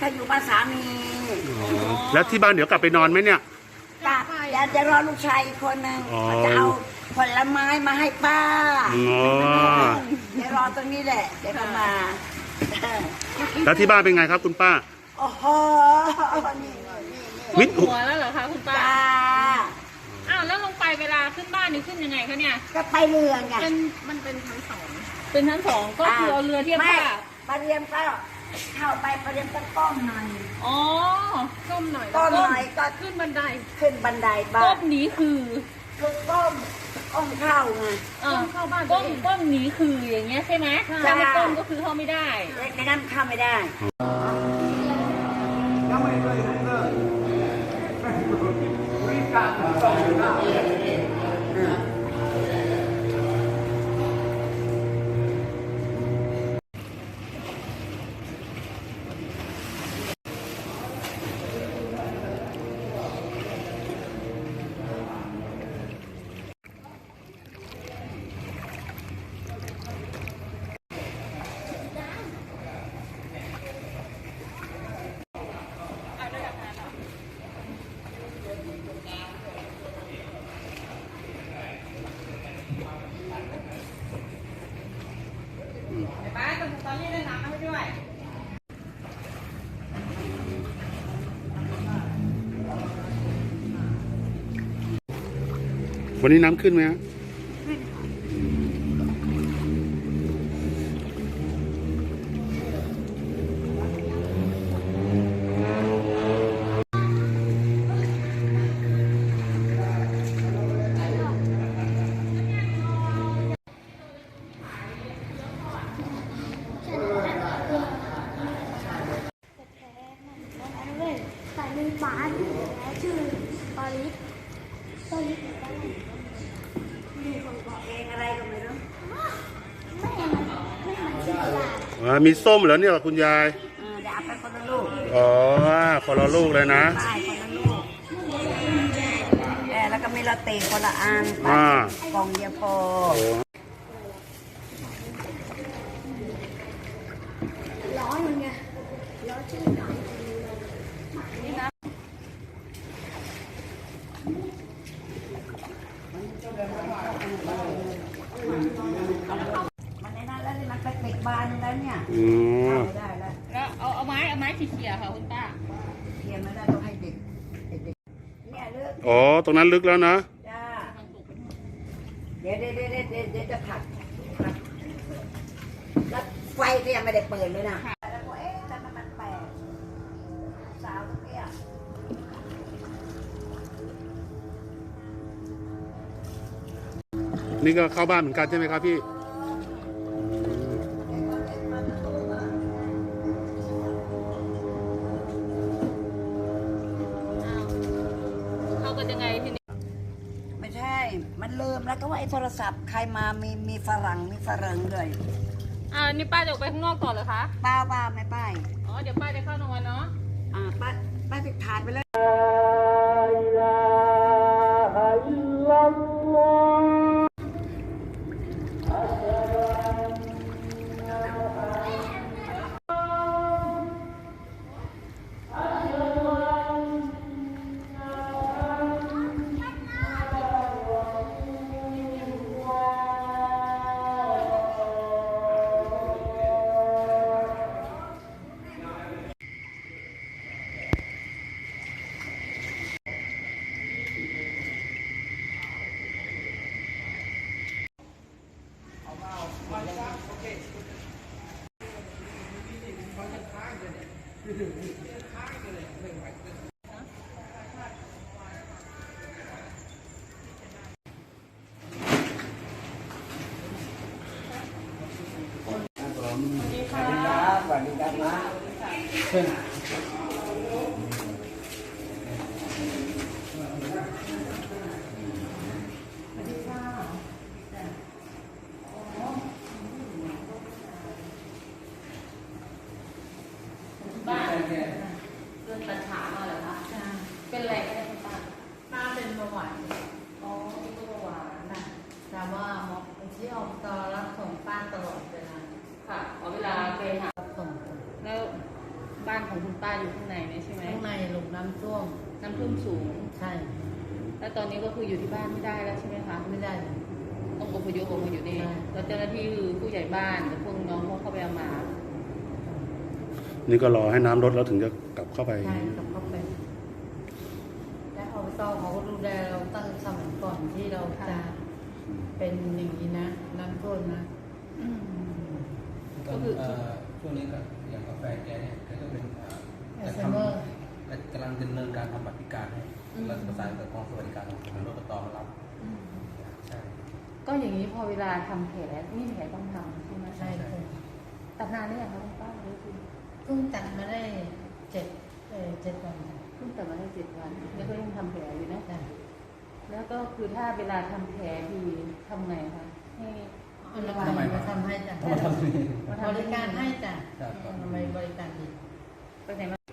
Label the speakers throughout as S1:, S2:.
S1: ถ้าอยู่บ้านสามี
S2: แล้วที่บ้านเดี๋ยวกลับไปนอนไหมเนี่ย
S1: กลับจะรอลูกชายอีกคนหนึ่งจะเอาผลไม้มาให้ป้าจะรอตรงนี้แหละเดี๋ยวมา
S2: แล้วที่บ้านเป็นไงครับคุณป้า
S1: โอ้โห
S3: มิดหัวแล้วเหรอคะคุณป้า
S1: จ้า
S3: อ้าวแล้วลงไปเวลาขึ้นบ้านนี่ขึ้นยังไงคะเนี่ย
S1: ก็ไปเรือไง
S3: มันเป็นชั้นสองเป็นชั้นสองก็คือเอาเรือเทียบท่า
S1: ปลาเรียมก็เข้าไปปลาเรียมก็ก้มหน่อย
S3: อ๋อก้มหน่อย
S1: ก้มหน่อยก็
S3: ขึ้นบันได
S1: บ้าน
S3: ก้มนี้คือ
S1: ก้มเข้าไง
S3: ก้มเข้าบ้านก้มนี้คืออย่างเงี้ยใช่ไหมถ้าไม่ก้มก็คือเข้าไม่ได้
S1: ในนั้นเข้าไม่ได้
S3: ตอนนี้ได้น้ำให้ด้วย
S2: วันนี้น้ำขึ้นไหมฮะ
S4: บ้านชื่อปาริส
S1: มีคนบอกเองอะไรก็ไม่รู้
S4: ไม่เหมือนชื่อยา
S2: มีส้มเหรอเนี่ยคุณยาย
S1: เดี๋ยวเอาไปคนละลูก
S2: อ๋อคนละลูกเลยนะ
S1: ใช่คนละลูกแล้วก็มีลาเต้คนละอันกล่องเดียวพอ
S4: ร้อนมันไงร้อนชื่อนี่นะ
S1: มันในนั้นแล้วมันไปปิดบานแล้วเนี่ยได้
S3: แล้วเอาไม้เขี่ยค่ะคุณป้า
S1: เขี่ยไม่ได้ต้องให้เด็กเนี่ยลึก
S2: อ๋อตรงนั้นลึกแล้วนะ
S1: จ้าเดี๋ยวจะผัดแล้วไฟก็ยังไม่ได้เปิดเลยนะแล้วก็แต่มันแปลกสาวตรงนี้
S2: นี่ก็เข้าบ้านเหมือนกันใช่ไหมครับพี่
S3: เข้ากันยังไงทีนี้
S1: ไม่ใช่มันลืมแล้วก็ว่าไอ้โทรศัพท์ใครมามีฝรั่งด้วย
S3: นี่ป้าจะออกไปข้างนอกก่อนเหรอคะ
S1: ป้าไม่ป้า
S3: อ๋อเดี๋ยวป้าจะเข้านอนเนาะ
S1: ป้าติดถาดไปเลย
S5: สวัสดีครับนะ
S3: บ้านเรื่องปัญหามาเหรอคะเป็นอะไรกันเนี่ยคุณป้าป้าเป็นเบาหวาน
S6: อ๋อเป็นเบาหวานนะแต่ว่าหมอที่ออกตอรับส่งป้าตลอดเวลา
S3: ค่ะเวลาไปหา
S6: ส่ง
S3: แล้วบ้านของ
S6: ำท่วม
S3: น้ำท่วมสูง
S6: ใช่
S3: แล้วตอนนี้ก็คืออยู่ที่บ้านไม่ได้แล้วใช่ไหมคะ
S6: ไม่ได้
S3: ต้องอพยพออกมาอยู่นี่
S6: ใช่
S3: แล้วเจ้าหน้าที่คือผู้ใหญ่บ้านกับพวกน้องเขาเข้าไปเอามา
S2: นี่ก็รอให้น้ำลดแล้วถึงจะกลับเข้าไป
S6: ใช่กลับเข้าไปและอบตเขาก็ดูแลเราตั้งสมัยก่อนที่เราจะเป็นอย่างนี้นะน้ำท่วมนะ
S3: ก็คือ
S5: ช่วงนี้ก็อย่างกาแฟแกเนี่ยแกก็เป็น
S6: อัลไซเมอร์
S5: กำลังดำเนินการทำบัตรพิการให้รัฐประสานกับกองสวัสดิการของรถตมารับใช่
S3: ก็อย่างนี้พอเวลาทำแผลนี่แผลต้องทำใช่ไหม
S6: ใช่ค่ะ
S3: ตัดนานหรือยังคะคุณป้าหรือคือ
S6: เพิ่งตัดมาได้7 วันค่ะ
S3: เพิ่งตัดมาได้7 วันแล้วก็ยังทำแผลอยู่นะ
S6: จ้ะ
S3: แล้วก็คือถ้าเวลาทำแผลดีทำไงคะให้
S6: อนามัยมาทำให้จ้ะ
S5: มาทำนี่
S6: บริการให้จ้ะ
S5: ครับ
S6: อนามัยบริการดี
S3: ไปไหนมา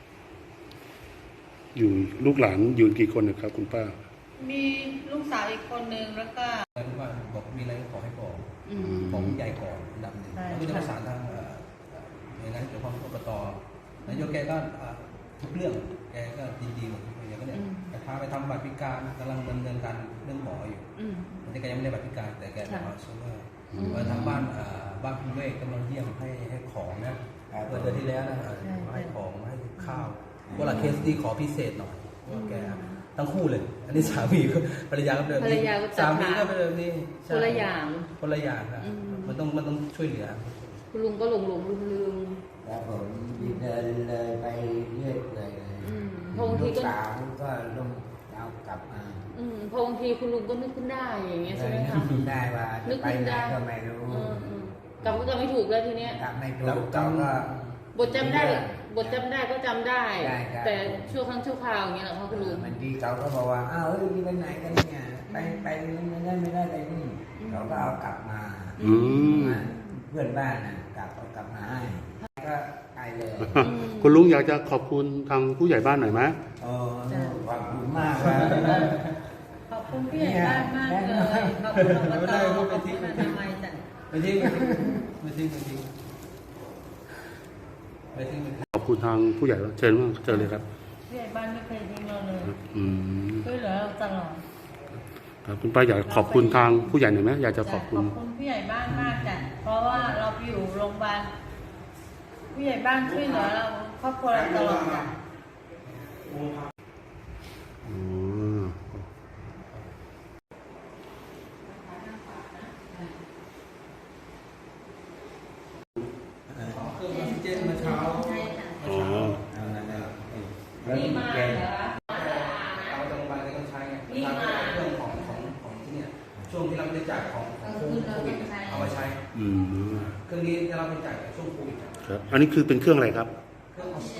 S2: อยู่ลูกหลานอยู่กี่คนนะครับ คุณป้า
S6: มีลูกสาวอีกคนนึงแล้วก็
S5: แล้วว่าบอกมีอะไรก็ขอให้บอก
S3: อืม
S5: ของใหญ่ก่อนอันดับหนึ่ง
S6: ใช่
S5: แล้วก็จะประสานทางหน่วยงานที่เกี่ยวข้องกับอบตนายกแกก็ทุกเรื่องแกก็ดีๆหมดอย่างก็เนี่ยแต่พาไปทำบัตรพิการกำลังดำเนินการเรื่องหมออยู่
S3: อืม
S5: แต่แกยังไม่ได้บัตรพิการแต่แกจะมาช่วย
S3: อืม
S5: มาทางบ้านบ้านคุณเวกกำลังเยี่ยมให้ของนะเมื่อเดือนที่แล้วนะมาให้ของมาให้ข้าวเวลาเคสที่ขอพิเศษหน่อยว่าแกทั้งคู่เลย อันนี้สามีก็ภรรยาก็เป็นแบบนี้สามีก็เป็นแบบนี้
S3: คนละอย่าง
S5: คนละอย่างครับ
S3: อืม
S5: มันต้องช่วยเหลือ
S3: คุณลุงก็หลงลืม
S7: แล้วผมเดินเลยไปเรื่อยเลย
S3: อืมพอบางที
S7: ลูก
S3: ก็
S7: สาวก็ลงเอากลับมา
S3: พอบางทีคุณลุงก็นึกขึ้นได้อย่างเงี้ยใช่ไหมคะ
S7: นึกได้ว่าจะไปไหนก็ไม่รู้
S3: กลับก็จะไม่ถูกแล้วทีเนี้ย
S7: กลับไม่ถู
S5: แล้ว
S7: กเขาก็
S3: บทจำได้ก็จำได้
S7: ได้
S3: แต่ชั่วครั้งชั่วคราวอย่างเงี้ยเหรอคะคุณลุง
S7: บางทีเขาก็บอกว่าอ้าวเฮ้ยไปไหนกันเนี่ยไปไม่ได้ไปนี่เขาก็เอากลับมา
S2: อืม
S7: เพื่อนบ้านน่ะเอากลับมาให้ก็ไปเลย
S2: คุณลุงอยากจะขอบคุณทางผู้ใหญ่บ้านหน่อยไหม
S7: โอ้ขอบคุณมากเลย
S6: ขอบคุณพี่ใหญ่บ้านมากเลยขอบคุณอบตขอบคุณอนามัยจ้ะ
S5: ไม่ทิ้งไม่ทิ้ง
S2: ขอบคุณทางผู้ใหญ่เชิญว่าเชิญเลยครับ
S6: พี่ใหญ่บ้านไม่เคยทิ้งเราเลย
S2: อืม
S6: ช่วยเหลือเราตลอด
S2: ครับคุณป้าอยากขอบคุณทางผู้ใหญ่หน่อยไหมอยากจะขอบคุณ
S6: พี่ใหญ่บ้านมากจ้ะเพราะว่าเราไปอยู่โรงพยาบาลผู้ใหญ่บ้านช่วยเหลือเราครอบครัวเราตลอดจ้ะ
S2: อ๋อ
S5: เครื่องออกซิเจนเมื่อเช้า
S2: อ๋อ
S7: แล้วแก
S5: เอาโรงพยาบาลก็ต้องใช้ไงเรื่องของที่เนี่ยช่วงที่เราบริจาคของโควิดเอามาใช้
S2: อืม
S5: เครื่องนี้เราบริจาคจากช่วงโควิด
S2: ครับ อันนี้คือเป็นเครื่องอะไรครับ
S5: เครื่องออกซิ